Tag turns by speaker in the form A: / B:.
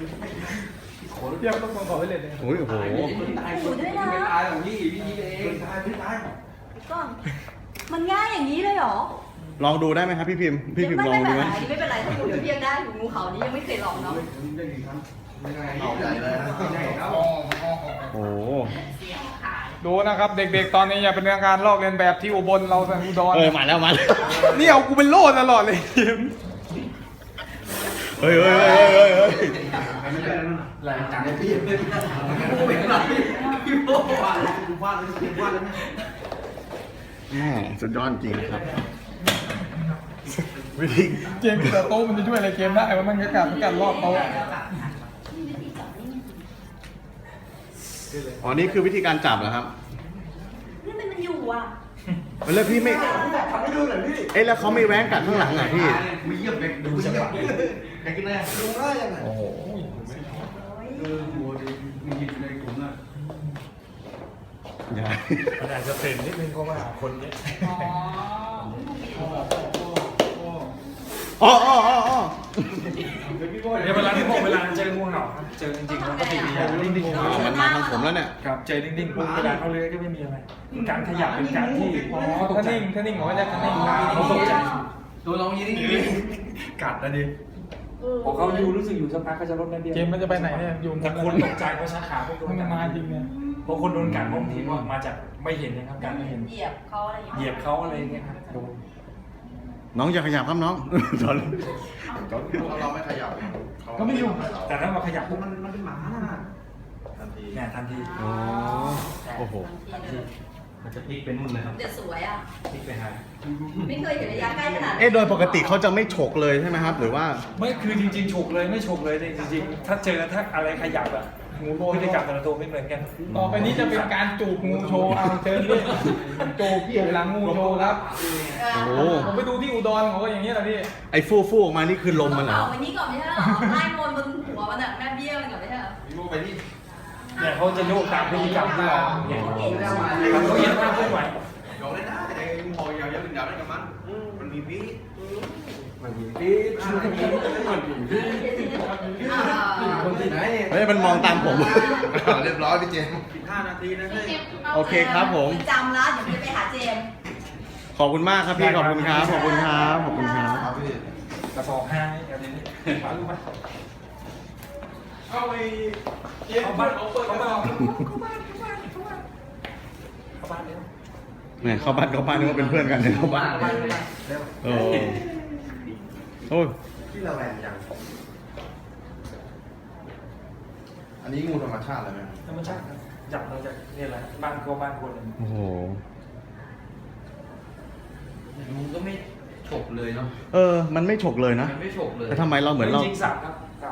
A: เทียบต้องขอไปเลยเนี่ย
B: โอ้โห
C: ตายด้วยนะตายของพี่เองตายก่อนมันง่ายอย่างนี้เลยเหรอ
B: ลองดูได้ไหมครับพี่พิมพ์ลองดูไหม
C: ไม่เป็นไรถ้าอยู่เดี๋ยวพี่ยังได้อยู่งูเขานี้ยังไม่เคยลองเนาะ
D: เอาใหญ่เลยครับ
B: โอ้โห
A: ดูนะครับเด็กๆตอนนี้อย่าเป็นการลอกเลียนแบบที่อุบลเราสันอุดร
B: มาแล้ว
A: นี่เอากูเป็นโล่ตลอดเลยทีม
B: เฮ้ย
D: แรงจังเลยพี่กูเป็นอะไรพี่โบ้วาดแล้ว
B: แม่สุดยอดจริงครับ วิธี
A: เกมแต่โต๊ะมันจะช่วยอะไรเกมได้ว่ามันการรอบโต๊ะ
B: อ๋อนี่คือวิธีการจับเหรอครับ
C: นี่มันอยู่อ่ะ
B: แล้วพี่ไม่
D: ทำให้ดูหน่อยพี่
B: เอ๊ะแล้วเขาไม่แว้งกัดข้างหลังอ่ะพี่
D: มีเยี่ยมเด็กดูเยี่ยมเด็กกินแน่ดูง่ายยังไง
B: โอ้โห
D: โมดีมีในกลุ่มน่ะ
B: ใหญ่
E: มันอาจจะเป็นนิดนึงเพราะว่าคนเยอะ
C: อ๋อ
B: อ๋อ
E: เดี๋ยวเวลาที่ผมเวลาเจองูเห่าครับเจอจริงๆแล้วก็ติดอย่างนิ่ง
B: อ๋อมันมาทางผมแล้วเนี่ย
E: ๆครับเจอนิ่งๆปุ๊บเวลาเขาเลื้อยก็ไม่มีอะไรการขยับเป็นการที่
A: อ๋อถ้านิ่งเขาจะนิ่ง
E: เขาตกใจ
D: ตัวลองยี่นี่
E: กัดนะดิพอเขาอยู่รู้สึกอยู่สักพักก็จะลดน้ำเดียว
A: เกมมันจะไปไหนเนี่ยอยู่
E: แต่คนตกใจเพราะชักขาพวกโดน
A: มัน
E: กั
A: มา
E: ด
A: จริงเนี่ย
E: เพราะคนโดนกัดบางทีว่ามาจากไม่เห็นนะครับการไม่เห็น
C: เหยียบเขาอะไรอย่าง
E: เหยี
C: เงี้
E: ยบเขาอะไรอย่างเงี้ยครับโดน
B: น้องอย่าขยับครับน้องจอน
D: เราไม่ขยับ
E: ก็ไม่ยุ่งแต่ถ้ามาขยับปุ๊บ
D: มันเป็นหมาน่ะทันที
E: เนี่ยทันที
B: อ๋อโอ้โห
E: มันจะพลิกเป็นนู่นเลยครับ
C: จะสวยอ่ะ
E: พลิกไปหา
C: ไม่เคยเห็นระยะใกล้ขนาด
B: โดยปกติเขาจะไม่ฉกเลยใช่ไหมครับ หรือว่า
E: ไม่คือจริงๆฉกเลยไม่ฉกเลยจริงๆถ้าเจอถ้าอะไรขยับอะงูโบพฤติกรรมแต่ละตัวไม่เหมือนกัน
A: ต่อไปนี้จะเป็นการจูบงูโชว์เอาเชิญพี่จูบหลังงูโชว์ครับ
B: โอ้โห
A: ผมไปดูที่อุดรเขาก็อย่างนี้แหละพี่
B: ไอ้ฟูออกมานี่คือลมมันเหรอ
C: เอาวันนี้ก่อนไม่ใช่หรอไล่มนบนหัวมันอ่ะแม่เบี้ยมันก่อนไม่ใช่หรอ
D: พี่โบ้ไปนี่
E: เนี่ยเขาจะโยกตามพฤติกรรมที่เราเห็นเขาเห็นมากขึ้นไหว
D: ยกได้นะไอ้หอยยาวๆได้กับมันมีพี่ คนที่ไหน
B: เฮ้ยมันมองตามผม
D: เรียบร้อยพี่เจม15 นาทีนะเฮ้ย
B: โอเคครับผม
C: จำแล้วเดี๋ยวไปหาเจม
B: ขอบคุณมากครับพี่ ขอบคุณครับ ขอบคุณครับ ขอบคุณครับ
D: ครับพี่
E: กระสอบ5แบบนี้มาลูกมา
A: เอาไปเกมบ้านเขาเปิดเข้ามา
E: เข้าบ้านเร็ว
B: แหมเข้าบ้านนึกว่าเป็นเพื่อนกันเนี่ยเข้าบ้าน
E: เร็ว
B: โอ้โอ้ย
D: ที่ระแวงยังอันนี้งูธรรมชาติเลยไหม
E: ธรรมชาติครับจับเราจากนี่แหละบ้านก็บ้านคน
B: โอ้โห
F: งูก็ไม่ฉกเลยเนาะ
B: มันไม่ฉกเลยนะ
F: มันไม่ฉกเลย
B: แต่ทำไมเราเหมือนเรา
E: จริงๆสับครับสับ